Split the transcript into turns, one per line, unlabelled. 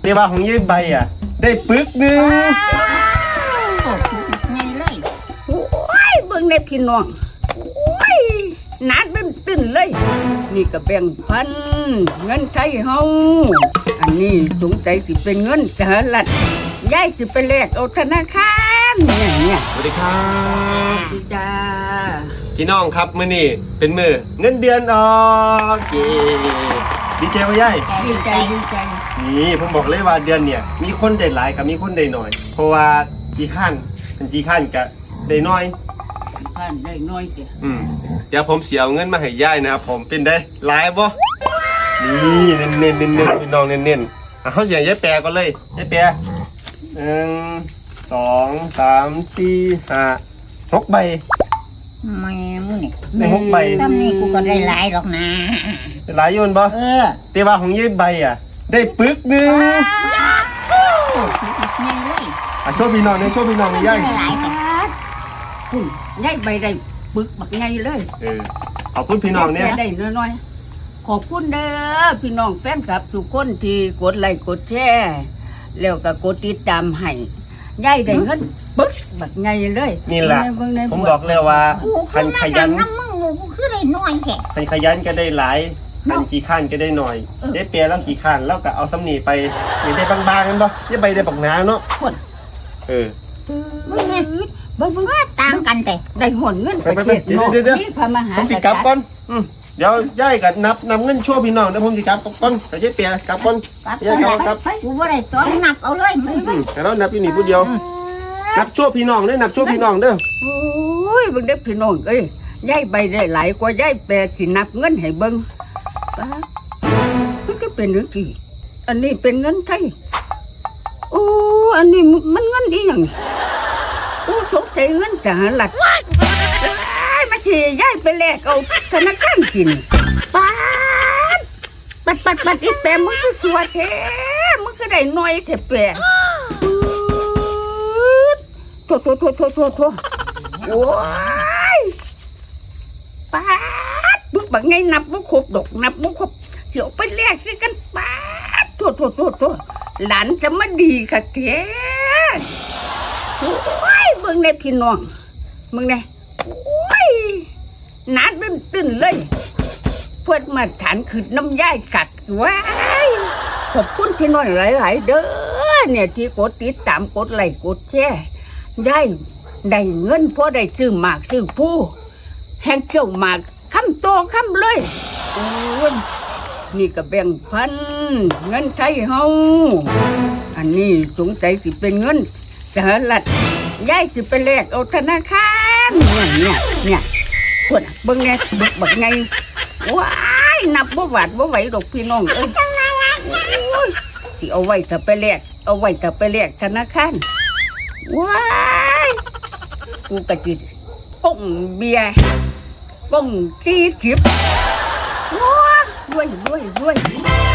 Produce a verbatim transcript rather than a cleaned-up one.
แต่ว่าของยายใบอ่ะได้ปึกหนึ่ง
ไงเลย
โอ้ยเบิ่งในพี่น้องโอ้ยหนาตึ้นตึ้นเลยนี่ก็แบ่งพันเงินใช้เฮาอันนี้สงสัยสิเป็นเงินสหรัฐยายสิไปแลกเอาธนาคารเนี่ยเนี่ย
สวัสดีครับ
ดีจ้า
พี่น้องครับมื้อนี้เป็นมื้อเงินเดือนออกเย้ดีใจว่ายาย
ดีใจดีใจ
นี่ผมบอกเลยว่าเดือนเนี่ยมีคนได้หลายกับมีคนได้น้อยเพราะว่ากี่ขั้นเป็นกี่ขั้นกับได้น้อย
พันได้น้อยเดียว
อืมเดี๋ยวผมเสียเอาเงินมาให้ยายนะครับผมเป็นได้หลายบ่นี่เน้นเน้นเน้นเน้นพี่น้องเน้นเน้นอ่ะเขาเสียงยายแปรก่อนเลยยายแปรหนึ่งสองสามสี่ห้าหกใบ
แม่มึงนี่
ได้หกใบ
ซ้ำนี่กูก็ได้หลายหรอกนะ
ได้หลายโยนบ่
เออ
แต่ว่าของยายใบอ่ะได้ปึกหนึ่ง
ไงเลย
อ่ะโชว์พี่น้องเนี่ยโชว์พี่น้องเลยยาย
ได้หลายแต่
คุณยายใบได้ปึกบักไงเลย
เออขอบคุณพี่น้องเนี่ย
แกได้น้อยๆขอบคุณเด้อพี่น้องแฟนคลับทุกคนที่กดไลค์กดแชร์แล้วก็กดติดตามให้ยายได้เงินปึ๊กแบบไงเลย
นี่แหละ
เบิ่งใน
ผมบอกเลยว่า
กู
คันขยัน
น้ำมึงกูคือได้น้อยแค่
คันขยันก็ได้หลายคันขี้ข้านก็ได้หน่อยได้เปียแล้วขี้ข้านแล้วก็เอาสำนีไปมีได้บางๆกันบ่อย่าใบได้บักหนาเนาะ
คน
เออ
มึงไงเบิ่งเบิ่ง
ต่างกันแต่
ได้หนเงิน
ไป
ประ
ไป
เทศนอก
เดี๋ยวเดี๋ยว
นี่พระมหา
ผมสิกลับก่อนอืมเดี๋ยวย่ายกับนับนับเงินชั่วพี่น้องเดี๋ยวผมสิกลับก่อนกับยายเปียกลับก่อน
กลับ
ย่ายกลับ
ค
ค
รั
รั
บบ กูว่าได้ตัวนับเอาเลยมึง
อืมแต่เรานับอยู่นี่ผู้เดียว นับชั่วพี่น้องเด้อนับชั่วพี่น้องเด้อ
โอ้ยเบิ่งเด้อพี่น้องเอ้ยยายใบได้หลายกว่ายายแปดสินับเงินให้เบิ่งป๊าดมันก็เป็นเรื่องที่อันนี้เป็นเงินไทยโอ้อันนี้มันเงินอีหยังโอ้สงสัยเงินสหรัฐมาทีย้ายไปแลกเอาธนาคารกินป้าดปัดปัดปัดอีแปะมึงก็สวยแท้มึงก็ได้น้อยแท้แปะโถโถโถโถโถโถโอ้ยป้าดบึกบักไงนับบ่ครบดอกนับบ่ครบเสียวไปแลกสิกันป้าดโถโถโถโถหลานจะมาดีค่ะแท้โอ้ยเบิ่งในพี่น้องมึงไงโอ้ยหนาตึ้นตึ้นเลยเพื่อนมาฐานขึ้นน้ำย่ายกัดว้ายขอบคุณพี่น้องหลายๆเด้อเนี่ยที่กดติดตามกดไลค์กดแชร์ได้ได้เงินพอได้ซื้อหมากซื้อผู้แห่งเจ้าหมากคำโตคำเลยโอ้ยนี่ก็แบ่งพันเงินใช้เฮาอันนี้สงสัยสิเป็นเงินสหรัฐยายสิไปแลกเอาธนาคารเนี่ยเนี่ยเนี่ยคนเบิ่งไงบึกบักไงว้ายนับบ่หวาดบ่ไหวดอกพี่น้องเอ้ยโอ้ยสิเอาไว้ถ้าไปแลกเอาไว้ถ้าไปแลกธนาคารว้ายกูกะจิก้งเบียร์ก้งสี่สิบว้าด้วยด้วยด้วย